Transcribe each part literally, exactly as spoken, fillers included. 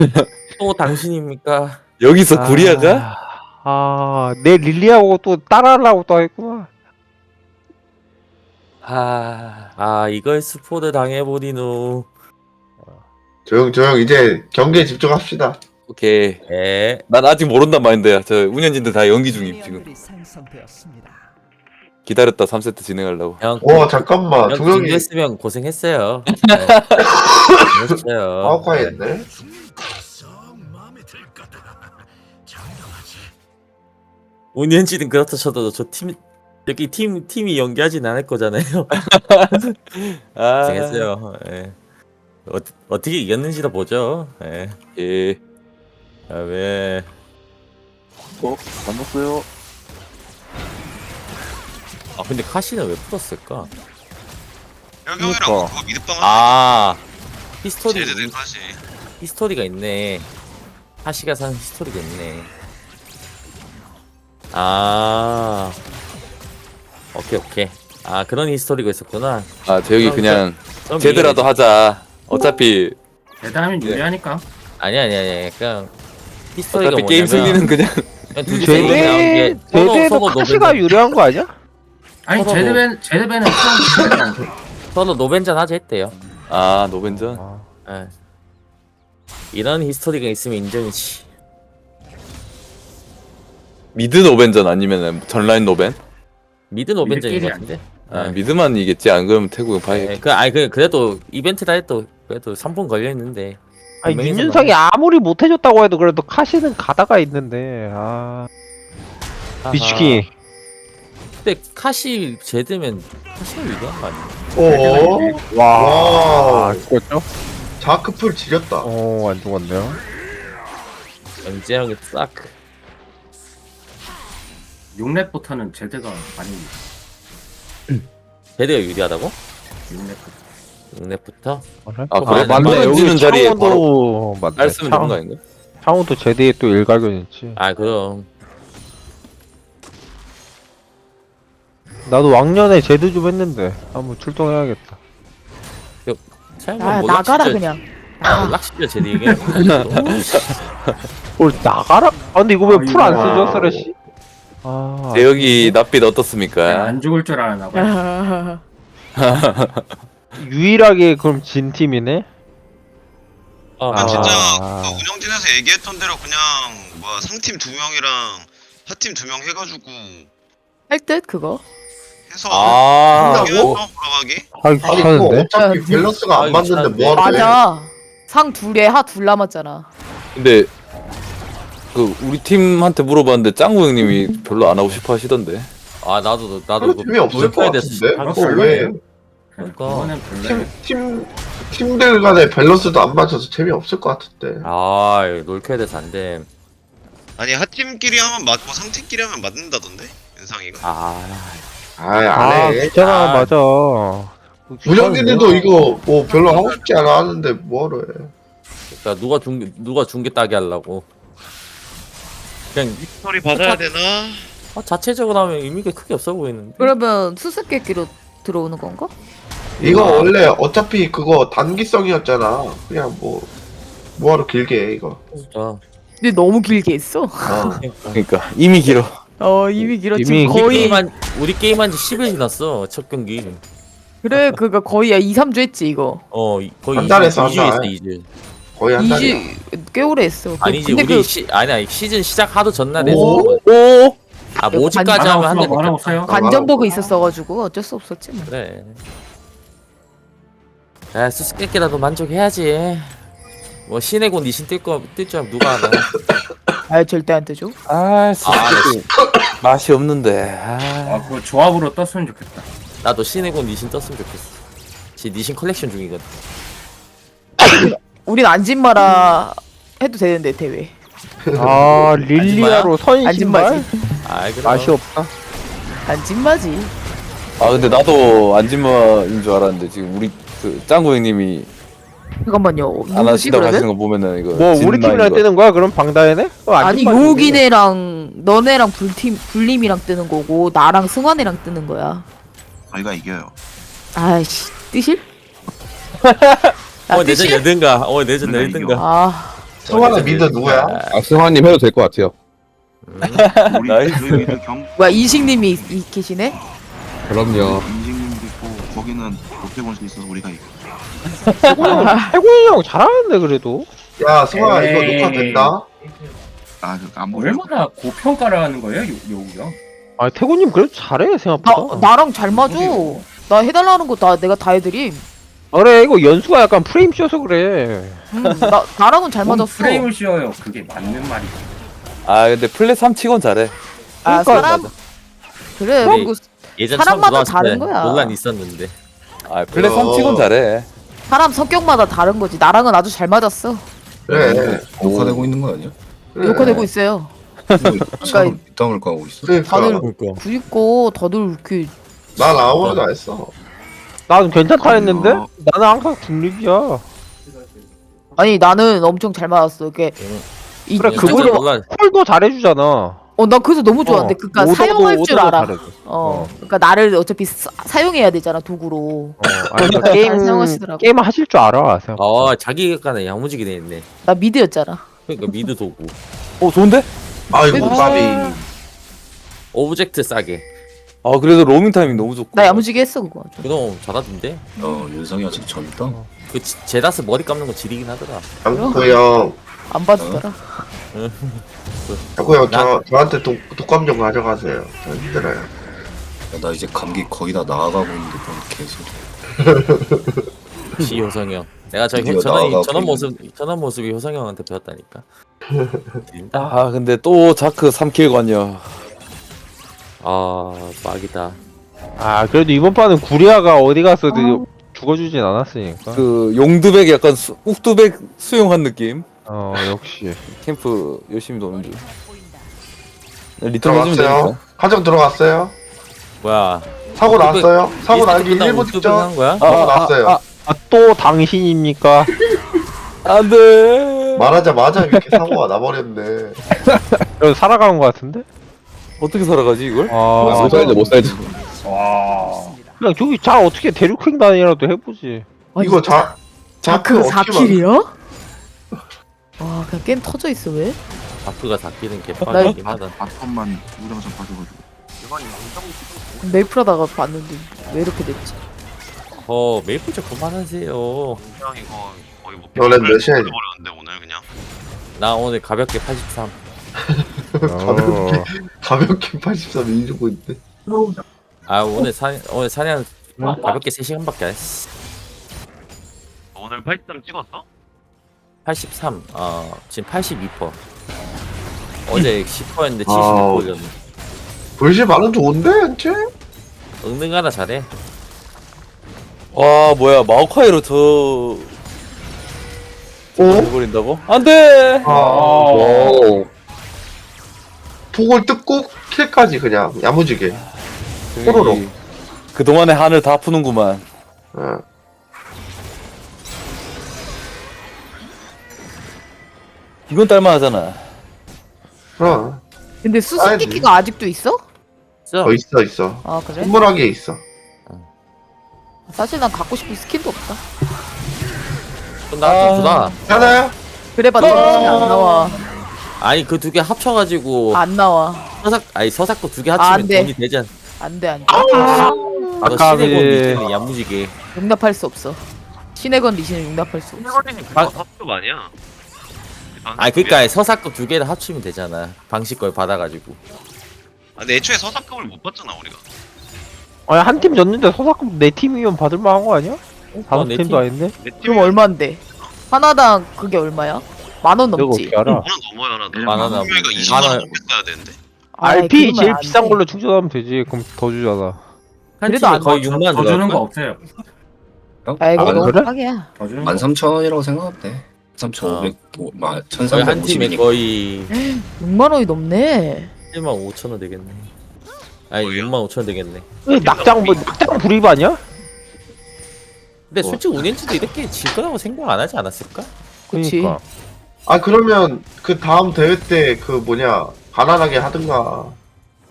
또 당신입니까? 여기서 아, 구리아가? 아, 내 릴리하고 또 따라하려고 또 했구만. 아, 아 이걸 스포드 당해보리누. 조용 조용 이제 경기에 집중합시다. 오케이. 예. 난 아직 모른단 마인드야. 저 운영진들 다 연기 중임 지금. 기다렸다 삼 세트 진행하려고. 형. 와 잠깐만 형 두 명이 준비했으면 고생했어요. 네. 고생했어요. 아웃카했네. 운현진은 그렇다 쳐도 저 팀 여기 팀 팀이 연기하진 않을 거잖아요. 아, 고생했어요. 예. 어, 어떻게 이겼는지도 보죠. 예. 예. 아, 왜? 어, 만났어요. 아 근데 카시는 왜 풀었을까? 혈경이랑 그러니까. 그거 미드빵 아 히스토리 제대로 하지. 히스토리가 있네. 카시가 산 히스토리가 있네. 아 오케이 오케이. 아 그런 히스토리가 있었구나. 아, 재혁이 그냥 그럼 제드라도 이해되지. 하자. 어차피 대단하면 유리하니까. 아니 아니 아니 그냥 히스토리가 어차피 게임 뭐냐면 승리는 그냥 그냥 둘이 세이브 나온 제대, 게 서로 제대도 서로 카시가 노벤 유리한 거 아니야? 아니 서로 제드벤 제드벤은 처음 잘했잖아. 서로 노벤전 하자 했대요. 아, 노벤전. 아, 예. 이런 히스토리가 있으면 인정이지. 미드 노벤전 아니면 전라인 노벤? 미드 노벤전인 것 미드끼리 같은데. 아, 예. 미드만 이겠지. 안 그러면 태국은 봐야. 예, 그 아니 그 그래도 이벤트다 해도 그래도 삼 분 걸려 있는데. 아니, 분명히 윤윤상이 아무리 못해줬다고 해도 그래도 카시는 가다가 있는데, 아, 아하. 미치키. 근데 카시 제드면 카시가 유리한 거 아니야? 오. 와, 와. 죽었죠? 자크풀 지렸다. 어, 안 죽었네요. 영재형이 싹. 육 렙부터는 제드가 많이 제드가 유리하다고? 육 렙부터. 육 렙부터? 아, 또 그래? 많이 맞네. 주는 자리에 바로 창원도 맞네. 알 쓰면 되는 거 아닌가? 창원도 제대에 또 일가견 있지. 아 그럼. 나도 왕년에 제드 좀 했는데 한번 출동해야겠다. 차영만 아 뭐 나가라 락시죠? 그냥. 아, 락시죠 제드 얘기해. 뭘 나가라? 아 근데 이거 왜 풀 안 아이고. 쓰죠, 쓰레쉬? 아, 재혁이 낯빛 어떻습니까? 안 죽을 줄 알았나 봐. 유일하게 그럼 진 팀이네? 아, 난 진짜 아. 그 운영진에서 얘기했던 대로 그냥 뭐 상팀 두 명이랑 하팀 두 명 해가지고 할 듯 그거. 해서 아, 한다고? 뭐? 올라가기? 하기 아니 그거 귀찮은데? 어차피 야, 밸런스가 아, 안 맞는데 귀찮은데. 뭐하러 해? 맞아. 상 둘에 하 둘 남았잖아. 근데 그 우리 팀한테 물어봤는데 짱구 형님이 별로 안 하고 싶어 하시던데. 아 나도 나도 그런 팀이 없을 것 같은데? 아, 어, 별로예요. 왜? 그러니까. 그거는 별로. 팀, 팀, 팀들 간의 밸런스도 안 맞아서 재미없을 것 같은데. 아 롤켜야 돼서 안 돼. 아니 하팀끼리 하면 맞고 상팀끼리 하면 맞는다던데 윤상이가. 아 아이, 아, 안 해. 귀찮아, 아. 맞아. 운영진이도 이거 뭐 별로 하고 싶지 않아 하는데 뭐하러 해. 그러니까 누가 중 누가 중계 따게 하려고. 그냥 스토리 받아야 되나? 어, 자체적으로 하면 의미가 크게 없어 보이는데. 그러면 수수께끼로 들어오는 건가? 이거 원래 어차피 그거 단기성이었잖아. 그냥 뭐, 뭐하러 길게 해, 이거. 진짜. 근데 너무 길게 했어. 어. 그러니까 이미 길어. 어 이미 길었지. 이미 우리 거의 게임한 우리 게임한 지 십 일 지났어 첫 경기. 그래 그거 거의 이, 삼 주 했지 이거. 어 이- 거의 한 달에서 이 주 한 했어 달. 이 주. 거의 한 이 달이야. 주 꽤 오래 했어. 그- 아니지 근데 우리 그 시 아니 아니 시즌 시작 하루 전날에 오? 오? 아 모집까지 관- 하면 한대 말하고 없어요. 관전 버그 있었어가지고 어쩔 수 없었지 뭐. 그래. 야 수수께끼라도 만족해야지. 뭐 신의 곤 니신 뜰거뜰줄 알면 누가 하나. 아 절대 안 되죠. 아, 솔직히 맛이 없는데. 아, 아 그거 조합으로 떴으면 좋겠다. 나도 신의 곤 니신 떴으면 좋겠어. 지 니신 컬렉션 중이거든. 우린 안진마라 해도 되는데 대회. 아, 릴리아로 선신발? 안진마지. 아이 그럼. 맛이 없다. 안진마지. 아 근데 나도 안지마인 줄 알았는데 지금 우리 그 짱구 형님이 잠깐만요. 안 누구지 하신다고 하시는 그러면? 거 보면은 이거 뭐, 우리 진마인 팀이랑 거. 뜨는 거야? 그럼 방다해네? 어, 아니 안진마지. 요기네랑 너네랑 불팀 불림이랑 뜨는 거고 나랑 승환이랑 뜨는 거야. 저희가 이겨요. 아이씨 뜨실? 아, 어 내전 뜨실? 열든가. 어 내전 우리가 열든가. 아 승환아 미드 누구야? 아 승환님 해도 될 것 같아요. 우리 나이스. 저희 미드 경 뭐야 이식님이 이- 이- 계시네? 그럼요. 인생님도 있고 거기는 롯데곤 수 있어서 우리가 이겨. 태곤이 형, 태곤이 형 잘하는데 그래도. 야 승환아 이거 에이. 녹화 된다. 아안 보여. 얼마나 고평가를 하는 거예요, 요- 요우 형? 아 태곤님 그래도 잘해 나 생각보다. 나랑 잘 맞아. 나 해달라는 거 다 내가 다 해드림. 그래 이거 연수가 약간 프레임 씌워서 그래. 음, 나 나랑은 잘 뭔 맞았어. 프레임을 씌워요. 그게 맞는 말이지. 아 근데 플랫 삼 치곤 잘해. 아 그러니까 사람 그래. 우리 그리고 예전 사람마다 처음 들어왔을 다른 때 거야. 논란 있었는데. 아 플랫 삼 어. 치곤 잘해. 사람 성격마다 다른 거지. 나랑은 아주 잘 맞았어. 그래. 녹화되고 있는 거 아니야? 그래. 녹화되고 있어요. 사람 이따을 까고 있어. 그러니까 다들 그러니까. 그니까 다들 이렇게 난 아무것도 안 했어. 나는 괜찮다 했는데 아니요. 나는 항상 중립이야. 아니 나는 엄청 잘 맞았어. 이게 이 그래, 진짜 그거를- 논란. 콜도 잘해주잖아. 어, 나 그래서 너무 좋았는데, 어, 그니까 오더도- 사용할 줄 오더도 알아. 잘해줘. 어, 어. 그니까 나를 어차피 사, 사용해야 되잖아 도구로. 어, 아니, 그러니까 게임 사용하시더라고. 게임 하실 줄 알아. 생각. 아 자기 객관에 야무지게 돼 있네. 나 미드였잖아. 그러니까 미드 도구. 어 좋은데? 아이고 아. 까비. 오브젝트 싸게. 아 그래도 로밍 타이밍 너무 좋고. 나 야무지게 했어 그거. 그럼 잘하던데. 어 윤성이 아직 젊다. 그 지- 제다스 머리 감는 거 지리긴 하더라. 장구 형, 안 봐주더라. 장구 형, 저 저한테 독 독감 좀 가져가세요. 저 힘들어요. 야, 나 이제 감기 거의 다 나아가고 있는데 뭔 개소리. 시 효성이 형. 내가 저 드디어 전원 나아가고 전원 있는- 모습 전원 모습이 효성이 형한테 배웠다니까. 진짜. 아 근데 또 자크 삼 킬 관여. 아 막이다. 아 그래도 이번 판은 구리아가 어디 가서도 죽어주진 않았으니까. 그 용두백 약간 수, 욱두백 수용한 느낌. 어 역시. 캠프 열심히 도는 중. 리턴 해주면 들어갔어요. 되니까. 가정 들어갔어요. 뭐야? 사고 우뚝- 났어요. 사고 나기 끝나고 일 분 우뚝 직전. 한 거야? 사고 났어요. 아, 아, 또 당신입니까? 안돼. 말하자마자 이렇게 사고가 나버렸네. 그래도 살아가는 것 같은데? 어떻게 살아가지 이걸? 아, 못 살지 못 살지. 와. 그냥 저기 잘 어떻게 대륙횡 단이라도 해보지. 이거 자 자크 사 어떻게 막- 킬이야? 와 그냥 게임 터져 있어 왜? 다크가 닦이는 나 개판이긴 하다. 바텀만 우정선 빠져가지고. 메이플 하다가 봤는데 왜 이렇게 됐지? 어 메이플 좀 그만하세요. 그냥 이거 거의 뭐 원래 몇이야? 버렸는데 오늘 그냥. 나 오늘 가볍게 팔십삼. 어. 가볍게 팔십삼 이기고 있네. 아 오늘 사 오늘 사냥 가볍게 세 시간밖에 안 했어. 오늘 팔십삼 찍었어? 팔십삼. 어 지금 팔십이 퍼센트. 어제 십 퍼센트였는데 아. 칠십이 퍼센트였네. 불실 반응 좋은데 현재? 응능하다 잘해. 와 뭐야 마오카이로 저. 어? 해버린다고? 안돼. 아, 오. 폭을 뜯고 킬까지 그냥 야무지게. 뽀로로. 그 동안의 한을 다 푸는구만. 어. 이건 딸만하잖아. 그럼 근데 수수께끼가 아직도 있어? 진짜 어 있어 있어. 아 그래? 선물하기에 있어. 사실 난 갖고 싶은 스킨도 없다. 나좀 주다. 하나요? 그래봤자 스킨이 안 나와. 아니 그 두 개 합쳐가지고 안 나와. 서삭 아니 서삭도 두 개 아, 합치면 안 돼. 돈이 되잖아. 안돼 안돼. 너 아까비. 신의 건 리신은 야무지게. 용납할 수 없어. 신의 건 리신을 용납할 수 없어. 아. 합급 아니야? 아니 그니까 서삭도 두 개를 합치면 되잖아. 방식 걸 받아가지고. 아, 근데 애초에 서사급을 못 받잖아 우리가. 아니 한 팀 졌는데 서사금 내 팀이면 받을만한 거 아니야? 다섯 내 팀도 팀. 아닌데? 내 팀 그럼 얼마인데? 하나당 그게 얼마야? 만 원 내가 넘지. 어떻게 알아? 하나 넘어야 하나. 만화나 그러니까 뭐. 이십만 원 만화- 넘게 써야 되는데. 아이, 알피 그러면 제일 안 비싼 돼. 걸로 충전하면 되지. 그럼 더 주잖아. 한 그래도 팀에 안 거의 더, 육만 더 주는 거 들어갈 없어요. 아이 그거 아, 너무 그래? 싸게야. 더 주는 거. 만 삼천 원이라고 생각하면 돼. 삼천오백, 뭐, 만 거의 천삼백 한 팀에 오십이니까. 거의 육만 원이 넘네. 칠만 오천 원 되겠네. 아니 뭐예요? 육만 오천 원 되겠네. 왜 낙장 뭐 낙장 불입 아니야? 근데 솔직히 운엔치도 이렇게 질 거라고 생각 안 하지 않았을까? 그치. 그러니까. 아 그러면 그 다음 대회 때 그 뭐냐 가난하게 하든가.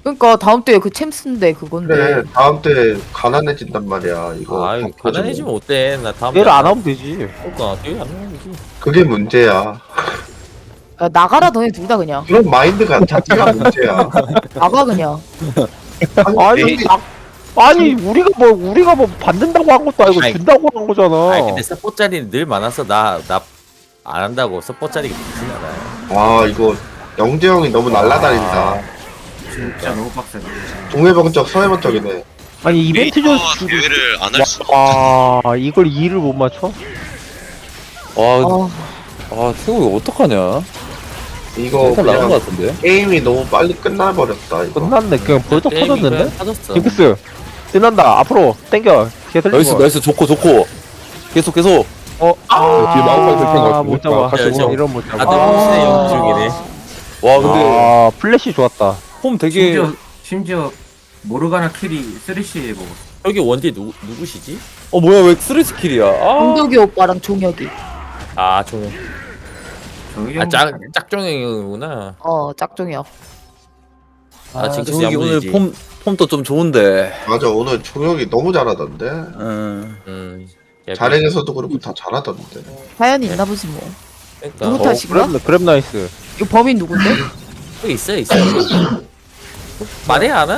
그러니까 다음 때그 챔스인데 그건데. 그래 다음 때 가난해진단 말이야 이거. 아, 바꿔주면. 가난해지면 어때? 나 다음 얘를 안 하면 되지. 그러니까 되게 안 하면 되지. 그게 문제야. 야, 나가라 너네 둘 다 그냥. 그런 마인드가 자체가 문제야. 나가 그냥. 아니, 에이, 나, 아니 우리가 뭐 우리가 뭐 받는다고 한 것도 아니고 아니, 준다고 한 거잖아. 아니 근데 서포 자리는 늘 많아서 나 나 안 한다고 서포 자리가 좋진 않아요. 와 이거 영재 형이 너무 날라다닌다. 진짜 너무 빡세다. 동해번쩍 서해번쩍이네. 아니 이벤트 좀 메이커와 주고. 대회를 안 할 수가 없잖아. 와 이걸 이를 못 맞춰? 와, 어. 아 태국 이거 어떡하냐? 이거 일단 나간 것 그냥 같은데. 게임이 너무 빨리 끝나버렸다 이거. 끝났네. 그냥 벌써 게임이 터졌는데? 그냥 터졌어. 징크스 끝난다. 앞으로 땡겨. 개슬 나이스 나이스 좋고 좋고. 계속 계속. 어. 아, 뒤에 마우카이 될것 같은데. 못 잡아. 아, 저- 이런 못 잡아. 다들 혼신의 연기 중이네. 와 근데 아 플래시 좋았다. 폼 되게. 심지어 심지어 모르가나 킬이 쓰리시 먹었어. 여기 원딜 누 누구시지? 어 뭐야 왜 쓰리 스킬이야? 아. 홍덕이 오빠랑 종혁이. 아, 종. 저기 아, 짝 짝종이구나. 어 짝종혁. 아, 징크스 저기 오늘 양분이지. 폼 폼도 좀 좋은데. 맞아 오늘 종혁이 너무 잘하던데. 음. 음. 야, 자랭에서도 그렇고 다 잘하던데. 사연이 있나 보지 뭐. 그러니까 누구 어, 탓인가? 그랩 그랩 나이스. 이거 범인 누군데? 여기 있어 있어. 말해 안 와?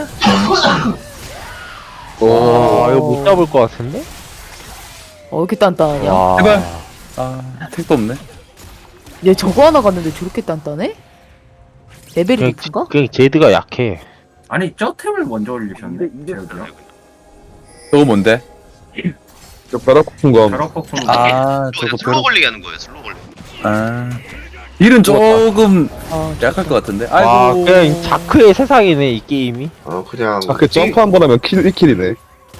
아 이거 못 잡을 것 같은데? 어 이렇게 단단하냐? 와. 제발. 아 택도 없네. 얘 저거 하나 갔는데 저렇게 단단해? 레벨이 그냥, 높은가? 그냥 제드가 약해. 아니 저 템을 먼저 올리셨네. 제가 저거 뭔데? 저 벼락폭풍검. 저런 폭풍. 아 저거 저거 슬로우 벼락. 걸리게 하는 거예요 슬로우 걸리게. 아. 딜은 조금 아, 약할 것 같은데. 와 아이고. 그냥 자크의 세상이네 이 게임이. 어 그냥. 아, 그 점프 한 번 하면 킬 일 킬이네.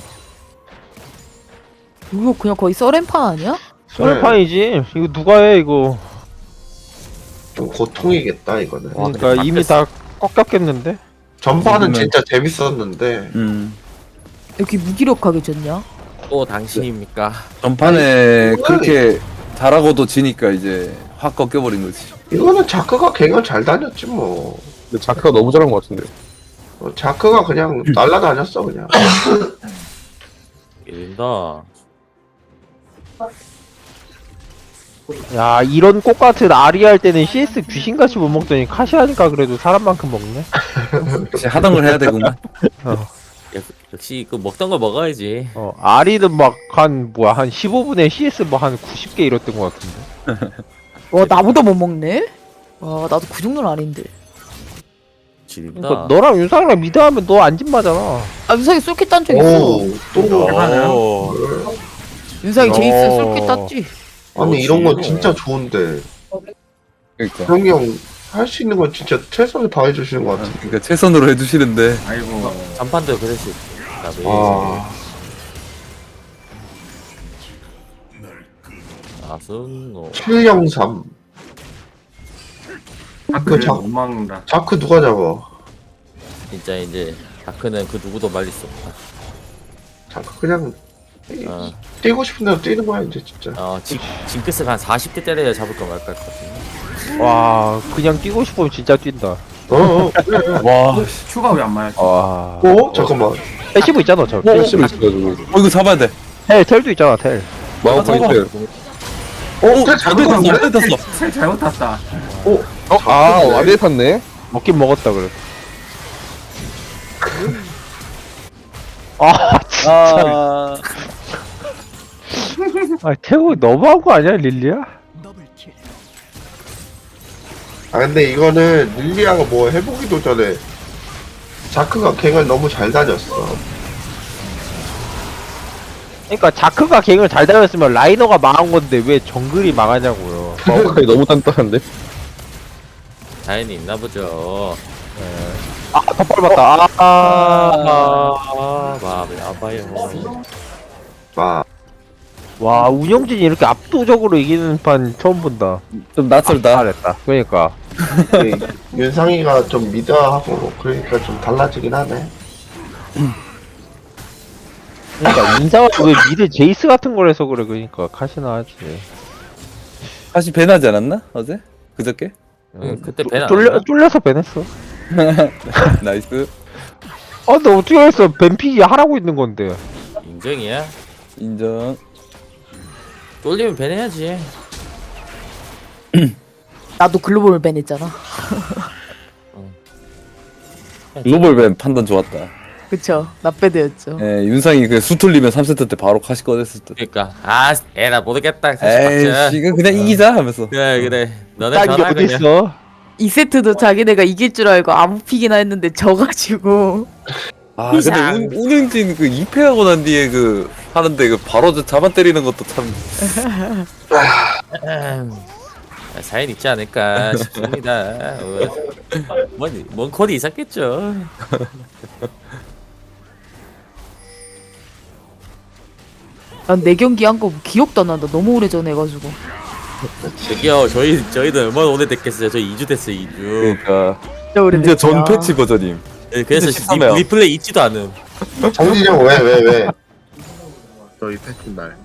이거 그냥 거의 썰렌판 아니야? 소울판이지. 이거 누가 해 이거. 좀 고통이겠다 이거는. 그러니까 이미 다 꺾였겠는데? 전파는 그러면- 진짜 재밌었는데. 음. 이렇게 무기력하게 졌냐? 또 당신입니까? 전판에 그렇게 잘하고도 지니까 이제 확 꺾여버린 거지. 이거는 자크가 갱을 잘 다녔지 뭐. 근데 자크가 너무 잘한 것 같은데. 어, 자크가 그냥 날라다녔어 그냥. 이른다. 야 이런 꽃 같은 아리 할 때는 씨에스 귀신같이 못 먹더니 카시 하니까 그래도 사람만큼 먹네. 역시 하던 걸 해야 되구만. 역시 그 먹던 거 먹어야지. 어 아리는 막 한 뭐야 한 십오 분에 씨에스 뭐 한 구십 개 이랬던 것 같은데. 와 나보다 못 먹네? 와 나도 그 정도는 아닌데. 지린다. 그러니까 너랑 윤상이랑 미드하면 너 안진 마잖아. 아 윤상이 쏠킷 딴 적 있어. 오, 또. 어. 윤상이 어. 제이스 쏠킷 땄지. 아니 이런 건 그렇지. 진짜 좋은데. 그러니까. 형이 형 할 수 있는 건 진짜 최선을 다해 주시는 것 같아. 그러니까 최선으로 해주시는데. 아이고. 전판도 그랬을 나도. 아, 아순노. 칠영삼. 아 그 그래 자- 못 막는다. 자크 누가 잡아? 진짜 이제 다크는 그 누구도 말릴 수 없다. 자크 그냥 뛰- 어, 뛰고 싶은 대로 뛰는 거야 이제 진짜. 어 징, 징크스가 한 사십 대 때려야 잡을까 말까 할 것 같은데. 와 그냥 뛰고 싶으면 진짜 뛴다. 어, 어 그래. 와. 추가 왜 안 맞았지? 와. 어 잠깐만. 패시브 있잖아 저. 헬스를 있어가지고. 어 이거 잡아야 돼. 텔 텔도 있잖아 텔. 마우카이 잡아. 텔. 어, 잘 잘못 탔어. 잡았는데? 잘못 탔어. 셀 잘못 탔다. 어, 어, 아, 와리에 탔네. 먹긴 먹었다 그래. 아 진짜. 아. 아 태국 너무한 거 아니야 릴리야? 아 근데 이거는 릴리아가 뭐 해보기도 전에 자크가 갱을 너무 잘 다녔어. 그러니까 자크가 갱을 잘 다녔으면 라이너가 망한 건데 왜 정글이 망하냐고요. 마우카이 너무 단단한데. 자연이 있나 보죠. 아 덧발 맞다. 아, 아. 아, 마음이 아파요. 막 와 운영진이 이렇게 압도적으로 이기는 판 처음 본다. 좀 낯설다. 잘했다. 그러니까. 그 윤상이가 좀 미드하고 그러니까 좀 달라지긴 하네. 그러니까 인사가 왜 미드 제이스 같은 걸 해서 그래. 그러니까 카시나 하지. 다시 배나지 않았나? 어제? 그저께? 응, 그때 배나. 쫄려 쫄려서 배냈어. 나이스. 아 근데 어떻게 했어? 뱀픽이 하라고 있는 건데. 인정이야. 인정. 쫄리면 배내야지. 나도 글로벌 밴 했잖아. 글로벌 밴 판단 좋았다. 그쵸. 나배드였죠. 예, 윤상이 그 수틀리면 삼 세트 때 바로 카시 꺼냈을 때. 그러니까 아 에라 모르겠다. 에이씨, 이거 그냥 이기자 하면서. 그래 그래. 너네 딱이 전화 그냥. 어딨어? 이 세트도 자기네가 이길 줄 알고 아무 픽이나 했는데 져가지고. 아, 근데 이상. 운, 운영진 그 이 패하고 난 뒤에 그 하는데 그 바로 저 잡아 때리는 것도 참. 사연 있지 않을까 싶습니다. 뭔, 뭔 코디 있었겠죠. 난 내 경기 한 거 기억도 안 난다. 너무 오래전에 해가지고. 저기요 저희 저희도 얼마나 오래됐겠어요. 저희 이 주 됐어요 이 주. 그러니까. 진짜 오래됐어. 이제 전 패치 버전임. 네, 그래서 십삼 리, 회요. 리플레이 있지도 않음. 정진이 형 왜 왜 왜? 저희 패치 날.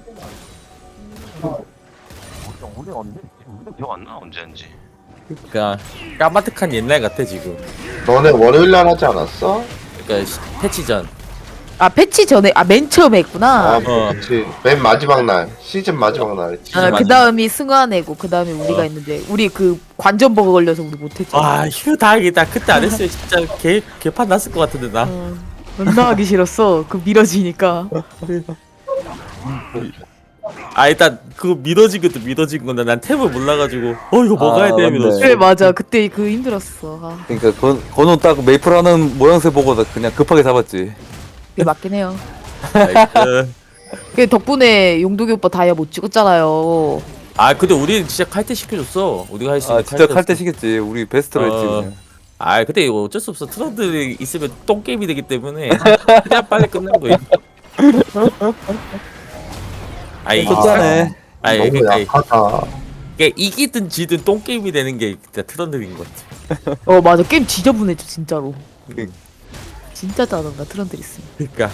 기억 안 나? 언제 한지. 그러니까 까마득한 옛날 같아 지금. 너네 월요일 날 하지 않았어? 그러니까 시- 패치 전. 아 패치 전에 아 맨 처음에 했구나. 아, 어. 그렇지. 맨 마지막 날, 시즌 마지막 날. 아, 맞아. 그 다음이 승환애고 그 다음에 우리가 어. 했는데 우리 그 관전버거 걸려서 우리 못했잖아. 와 휴 다행이다. 그때 안 했으면 진짜 개 개판 났을 것 같은데 나. 어, 존나 하기 싫었어. 그 밀어지니까. 아 일단 그거 믿어진 것도 믿어진 건데 난 탭을 몰라가지고 어 이거 뭐 아, 가야 돼 맞네. 믿었어. 그래 맞아. 그때 그 힘들었어. 아, 그러니까 건 건우 딱 메이플 하는 모양새 보고 나 그냥 급하게 잡았지. 그게 맞긴 해요. 나이스. 그 덕분에 용독이 오빠 다이아 못 찍었잖아요. 아 근데 우리는 진짜 칼퇴 시켜줬어. 우리가 할 수 있는 아 진짜 칼 칼퇴였어. 때 시겠지. 우리 베스트로 했지. 어. 그냥. 아 근데 이거 어쩔 수 없어. 트런들이 있으면 똥 게임이 되기 때문에 그냥 빨리 끝낸 거야. 아 이게 좋다네. 아 너무 이게 그러니까 약하다. 이게 이기든 지든 똥 게임이 되는 게 진짜 트런들인 것 같아. 어 맞아. 게임 지저분해져 진짜로. 그- 진짜 짜증나 트런들 있으면. 그러니까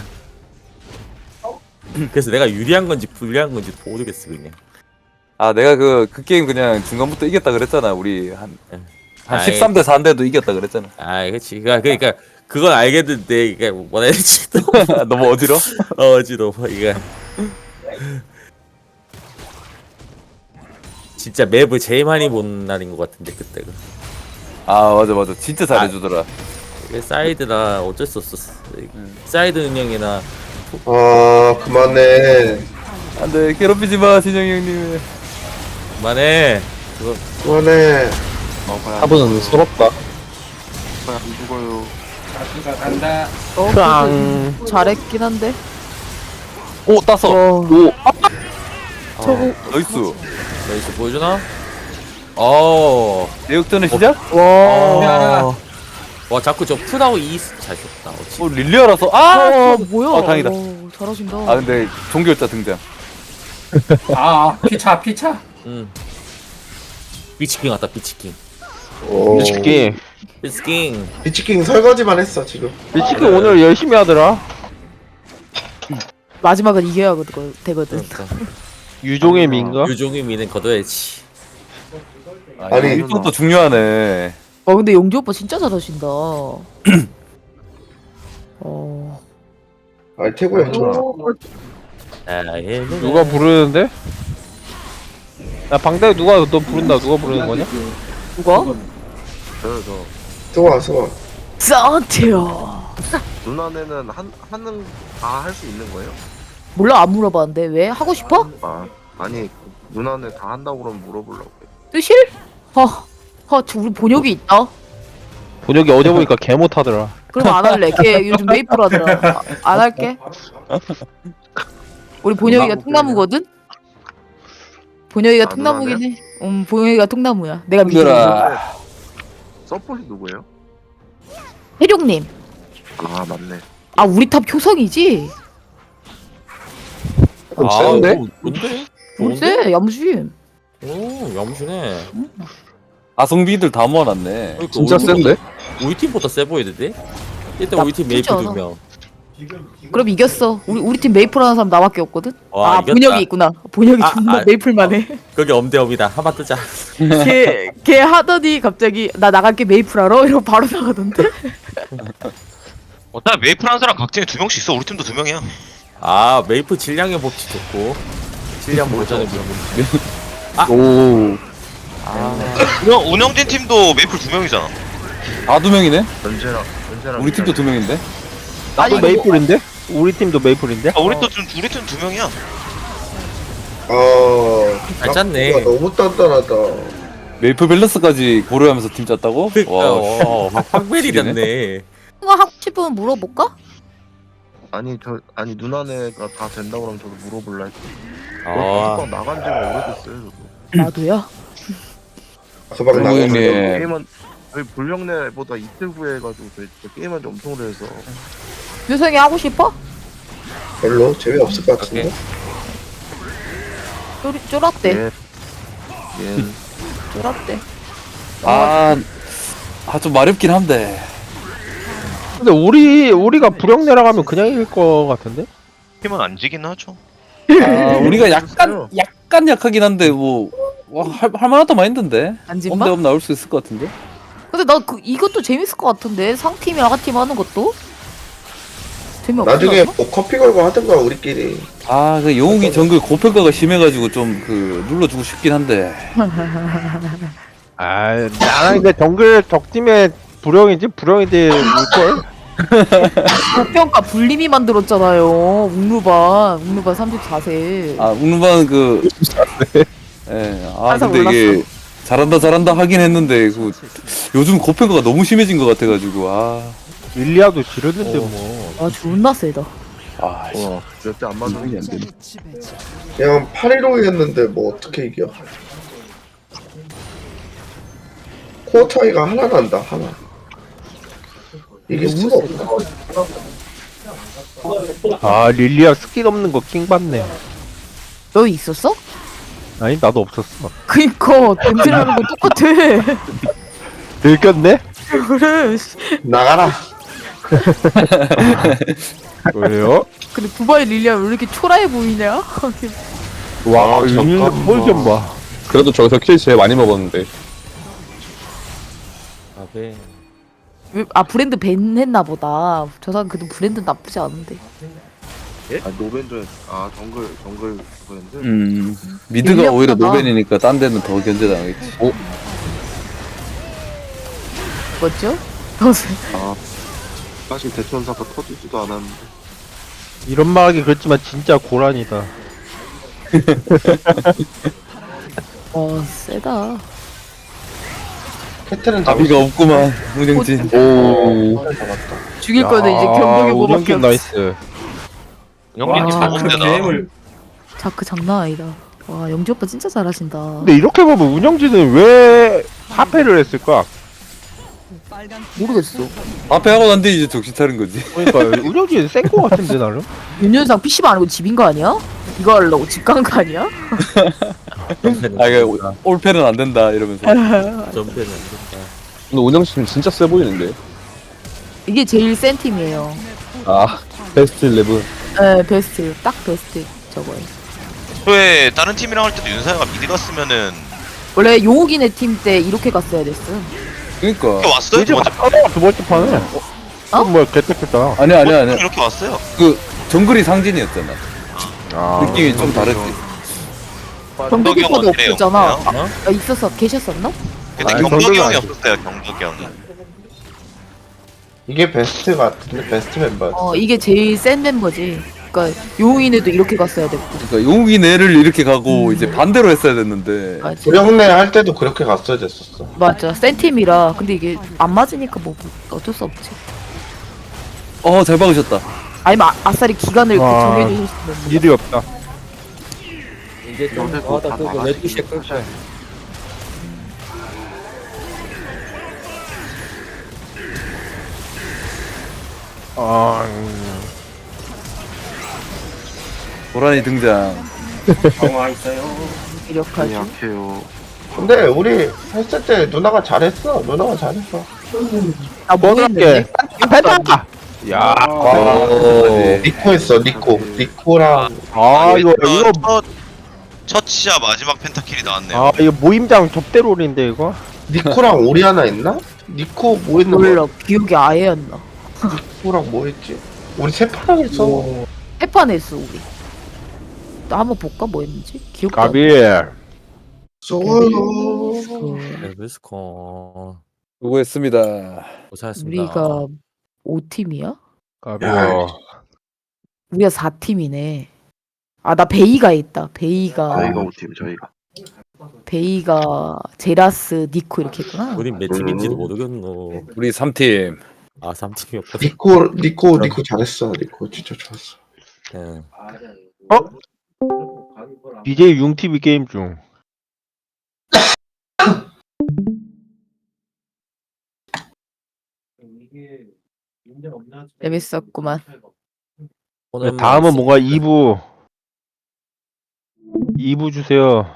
그래서 내가 유리한 건지 불리한 건지 모르겠어 그냥. 아 내가 그 그 게임 그냥 중간부터 이겼다 그랬잖아. 우리 한한 아이. 십삼 대 사인데도 이겼다 그랬잖아. 아 그렇지. 그러니까 그러니까 그건 알겠는데 이게 뭐라 해야 되지? 너무 어지러? 어 어지러워 이거. 진짜 맵을 제일 많이 본 날인 것 같은데 그때가. 아 맞아 맞아. 진짜 잘해주더라. 이게 사이드라 어쩔 수 없었어. 사이드 운영이나 아, 그만해. 안돼 괴롭히지 마 진영이 형님. 그만해. 그거 그만해. 사부는 서럽다. 안 죽어요. 어, 크앙. 그래도 잘했긴 한데. 오 땄어. 어, 오 저거 나이스. 나이스 보여주나? 어. 내역전의 시작? 와. 어. 와 자꾸 저 풀하고 이스 잘 줬다. 어찌. 어 릴리아라서 아. 어, 뭐야? 어, 다행이다. 오, 잘하신다. 아 근데 종결자 등장. 아 피차 피차. 응. 비치킹 왔다 비치킹. 오. 미치기. 비치킹. 비치킹 설거지만 했어 지금. 미치기 오늘 열심히 하더라. 마지막은 이겨야 거- 되거든. 그러니까. 유종의 민가? 유종의 미는 거둬야지. 아니, 아니 이것도 중요하네. 어 근데 용주 오빠 진짜 잘하신다. 어. 아니 태구 형 좋아. 아, 예, 누가 부르는데? 야 방대 누가 너 부른다. 누가 부르는 거냐? 누가? 수아 수아. 산티어. 누나네는 한 하는 다 할 수 있는 거예요? 몰라 안 물어봤는데 왜 하고 싶어? 아 아니 누나네 다 한다고 그러면 물어보려고. 뜨실? 허, 허, 저 우리 본역이 있다. 본혁이 어제 보니까 개 못하더라. 그럼 안 할래. 걔 요즘 메이플 하더라. 아, 안 할게. 우리 본혁이가 통나무거든. 본혁이가 아, 통나무긴 해. 음, 본혁이가 통나무야. 내가 믿어. 얘들아. 서폿이 누구예요? 해룡님. 아 맞네. 아 우리 탑 효성이지? 좀 아, 센데? 어, 뭔데? 뭔데? 야무지. 오, 야무지네. 아성비들 다 모아놨네. 그러니까 진짜 우리 센데? 팀- 우리 팀보다 세 보이는데? 일단 우리 팀 나쁘지 메이플 않아. 두 명. 그럼 이겼어. 우리 우리 팀 메이플 하는 사람 나밖에 없거든. 와, 아 이겼다. 본혁이 있구나. 본혁이 아, 존나 아, 메이플만 해. 그게 엄대엄이다. 한번 뜨자. 걔, 걔 하더니 갑자기 나 나갈게 메이플 하러 이러고 바로 나가던데. 어차피 메이플 한 사람 각팀에 두 명씩 있어. 우리 팀도 두 명이야. 아 메이플 질량의 법칙 좋고 질량 버전의 법칙. 오. 운영, 운영진 팀도 메이플 두 명이잖아. 아, 두 명이네? 연재랑 연재랑 우리 팀도 두 명인데? 나도 메이플인데? 우리 팀도 메이플인데? 아, 우리 또 좀, 우리 팀 두 명이야. 아, 잘 짰네. 낙구가 너무 단단하다. 메이플 밸런스까지 고려하면서 팀 짰다고? 와, 어, 확벨이 됐네. 이거 하고 싶으면 물어볼까? 아니 저 아니 누나네가 다 된다고 그러면 저도 물어볼라 했지. 아, 아. 나간 지가 오래됐어요 저도. 나도야. 소방 그리고 나가서 형님. 게임한 저희 불령내보다 이틀 후에 해가지고 저희 진짜 게임한 지 엄청 오래돼서 유성이 하고 싶어? 별로 재미없을 것 같은데. 쫄, 쫄았대. 예. 예. 쫄았대. 아, 아, 좀 마렵긴 한데. 근데 우리 우리가 불영내라 하면 그냥 이길 거 같은데? 팀은 안 지긴 하죠. 아, 우리가 약간, 약간 약하긴 한데, 뭐, 와, 할, 할만하다 마인드인데? 안진마? 엄대엄 나올 수 있을 것 같은데? 근데 나 그 이것도 재밌을 것 같은데 상팀이랑 하팀 하는 것도 재미없어. 나중에 뭐 커피 걸고 하든가 우리끼리. 아, 그 영웅이 정글 고평가가 심해가지고 좀 그 눌러주고 싶긴 한데. 아, 나는 근데 정글 적팀의 불영이지 불영이지 올걸? 고평가 불림이 만들었잖아요. 웅루반 웅루반 삼십사 세. 아, 웅루반 그. 예, 아, 항상 근데 이게 잘한다, 잘한다 하긴 했는데, 그, 요즘 고평가가 너무 심해진 것 같아가지고, 아. 릴리아도 지렸는데 뭐. 아 존나 세다. 아, 씨. 와 몇 대 안 맞는 안 되네. 그냥 팔일오이였는데 뭐 어떻게 이겨? 코어 차이가 하나 난다 하나. 이길 수가 없다. 아 릴리아 스킨 없는 거 킹받네. 너 있었어? 아니 나도 없었어. 그니까 던지라는 거 똑같아. 들켰네? 그래. 나가라. 왜요? 근데 두바이 릴리아 왜 이렇게 초라해 보이냐? 와 윤 폴좀 봐. 그래도 저기서 킬 제일 많이 먹었는데. 아, 네. 왜- 아 브랜드 밴 했나 보다. 저 사람 그래도 브랜드 나쁘지 않은데. 아 노벤저 아 정글 정글 브랜드. 음, 미드가 릴리아 오히려 보다. 노벤이니까 딴 데는 더 견제당하겠지. 어? 뭐죠? 아 사실 대천사가 터지지도 않았는데. 이런 말 하기 그렇지만 진짜 고란이다. 와 세다. 캐틀은 답이가 없구만, 문영진. 오. 죽일 거는 이제 경력이 뭐밖에 운영균 없어. 나이스. 영진 팀 와, 먹은데나. 자크 장난 아니다. 와 영지 오빠 진짜 잘하신다. 근데 이렇게 보면 운영진은 왜 합해를 했을까? 모르겠어. 앞에 하고 난 뒤에 이제 정신 차린 거지. 그러니까 운영진 센 거 같은데 나름. 윤현상 피씨방 아니고 집인 거 아니야? 이거 하려고 집 간 거 아니야? 아, 이게 올패는 안 된다, 이러면서. 점프는 안 된다. 근데 운영팀 진짜 세 보이는데. 이게 제일 센 팀이에요. 아, 베스트 일레븐. 네 베스트 딱 베스트 저거예요. 왜 다른 팀이랑 할 때도 윤사야가 미드 갔으면은 원래 용욱이네 팀 때 이렇게 갔어야 됐어. 그니까. 이렇게 왔어요? 두 이제 번째 바꿔 두 번째 판에. 어? 뭐야 개떡했다. 아니야, 아니야, 아니야. 이렇게 왔어요. 그, 정글이 상진이었잖아. 아, 느낌이 좀 다르지. 경덕이 경덕이 오빠도 어때요? 없었잖아. 없나요? 아, 있었어 계셨었나? 근데 아니, 경덕이 경덕이 형이 아니지. 없었어요. 경덕이 형이. 이게 베스트 같은데 베스트 멤버. 어 이게 제일 센 멤버지. 그러니까 용욱이네도 이렇게 갔어야 됐고. 그러니까 용욱이 내를 이렇게 가고 이제 반대로 했어야 됐는데. 맞아. 불영내 할 때도 그렇게 갔어야 됐었어. 맞아 센 팀이라. 근데 이게 안 맞으니까 뭐 어쩔 수 없지. 어, 잘 박으셨다. 아니면 아, 아싸리 기간을 와. 정해주셨으면. 일이 없다. 이제 좀 요새 더 다 하다 끄고 나가시- 열두 시에 끌 거야. 아, 음. 고라니 등장. 강화 있어요. 이력하지. 약해요. 근데 우리 했을 때 누나가 잘했어. 누나가 잘했어. 아 뭐 모르겠는데. 할게. 펜타. 야. 어, 니코 했어. 니코. 니코랑 아 이거 첫- 이거 첫, 첫 시야 마지막 펜타킬이 나왔네요. 아 이거 모임장 접대롤인데 이거. 니코랑 오리아나 했나? 니코 뭐 했는 몰라 거? 기억이 아예 안 나. 누구랑 뭐 했지? 우리 세 판을 했어. 해판 했어 우리. 나 한번 볼까 뭐 했는지 기억도 안 나. 가비. 쏘요. 레벨스콘 수고했습니다. 고생하셨습니다. 우리가 오 팀이야? 가비. 야, 우리가 사 팀이네. 아 나 베이가 있다. 베이가 저희가 오팀 저희가. 베이가 제라스 니코 이렇게 했구나. 우린 몇 팀인지도 모르겠노. 우리 삼 팀. 아 삼 팀이었거든. 니코 니코 니코 잘했어. 니코 진짜 좋았어. 예. 비제이 융티비 게임 중. 재밌었구만. 오늘 네, 다음은 뭔가 이 부. 이 부 주세요.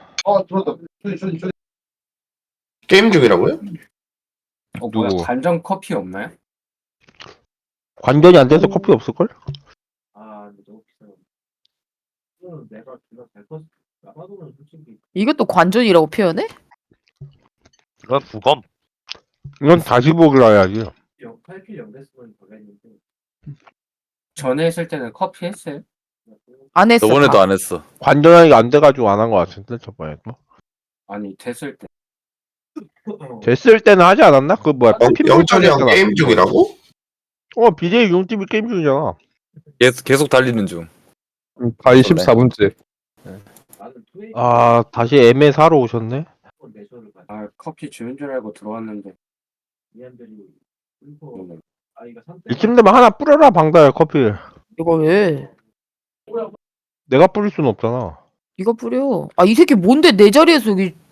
게임 중이라고요? 어, 뭐야? 누구? 간장 커피 없나요? 관전이 안 돼서 커피 없을걸? 아, 근데 너무 비싸요. 이거는 내가 내가 될것 나가도는 솔직히 이것도 관전이라고 표현해? 이건 부검. 이건 다시 보기로 해야지. 팔 킬 연대수는 걸렸는데 전에 했을 때는 커피 했어요? 안 했어. 저번에도 다. 안 했어. 관전이 안 돼가지고 안 한 것 같은데 저번에도. 아니 됐을 때 됐을 때는 하지 않았나? 그 뭐야? 영철이 형 게임 중이라고? 어 비제이 융티비 게임 중이잖아. 계속, 계속 달리는 중. 가이 십사 분째. 나는 투웨이 아 다시 엠에 사러 오셨네. 내셔를 아 커피 주는 줄 알고 들어왔는데 미안들이 울고 아이가 선택 이쯤 되면 하나 뿌려라 방다야 커피. 이거 왜? 내가 뿌릴 수는 없잖아. 이거 뿌려. 아 이 새끼 뭔데 내 자리에서 여기